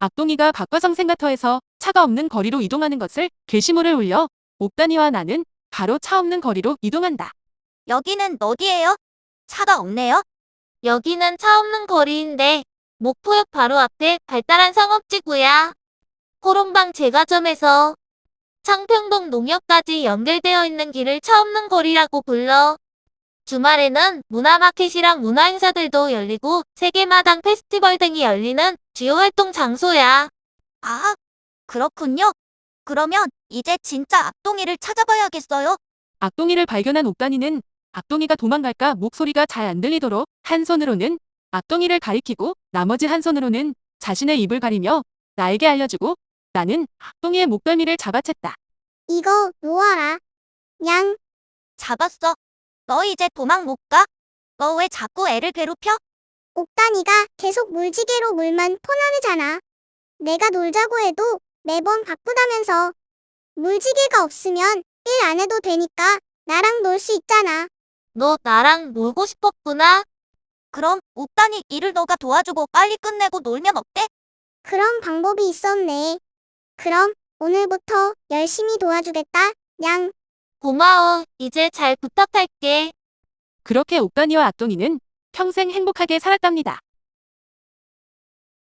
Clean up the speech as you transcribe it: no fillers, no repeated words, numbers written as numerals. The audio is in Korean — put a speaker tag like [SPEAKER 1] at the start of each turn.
[SPEAKER 1] 악동이가 박과성 센터에서 차가 없는 거리로 이동하는 것을 게시물을 올려 옥단이와 나는 바로 차 없는 거리로 이동한다.
[SPEAKER 2] 여기는 어디예요? 차가 없네요?
[SPEAKER 3] 여기는 차 없는 거리인데 목포역 바로 앞에 발달한 상업지구야. 호롱방 제과점에서 창평동 농협까지 연결되어 있는 길을 차 없는 거리라고 불러. 주말에는 문화마켓이랑 문화행사들도 열리고 세계마당 페스티벌 등이 열리는 주요 활동 장소야.
[SPEAKER 2] 아, 그렇군요. 그러면 이제 진짜 악동이를 찾아봐야겠어요.
[SPEAKER 1] 악동이를 발견한 옥단이는 악동이가 도망갈까 목소리가 잘 안 들리도록 한 손으로는 악동이를 가리키고 나머지 한 손으로는 자신의 입을 가리며 나에게 알려주고 나는 악동이의 목덜미를 잡아챘다.
[SPEAKER 4] 이거 놓아라. 냥.
[SPEAKER 2] 잡았어. 너 이제 도망 못 가? 너 왜 자꾸 애를 괴롭혀?
[SPEAKER 4] 옥단이가 계속 물지개로 물만 퍼나르잖아. 내가 놀자고 해도 매번 바쁘다면서. 물지개가 없으면 일 안 해도 되니까 나랑 놀 수 있잖아.
[SPEAKER 3] 너 나랑 놀고 싶었구나.
[SPEAKER 2] 그럼 옥단이 일을 너가 도와주고 빨리 끝내고 놀면 어때?
[SPEAKER 4] 그런 방법이 있었네. 그럼 오늘부터 열심히 도와주겠다. 냥.
[SPEAKER 3] 고마워. 이제 잘 부탁할게.
[SPEAKER 1] 그렇게 옥단이와 악동이는 평생 행복하게 살았답니다.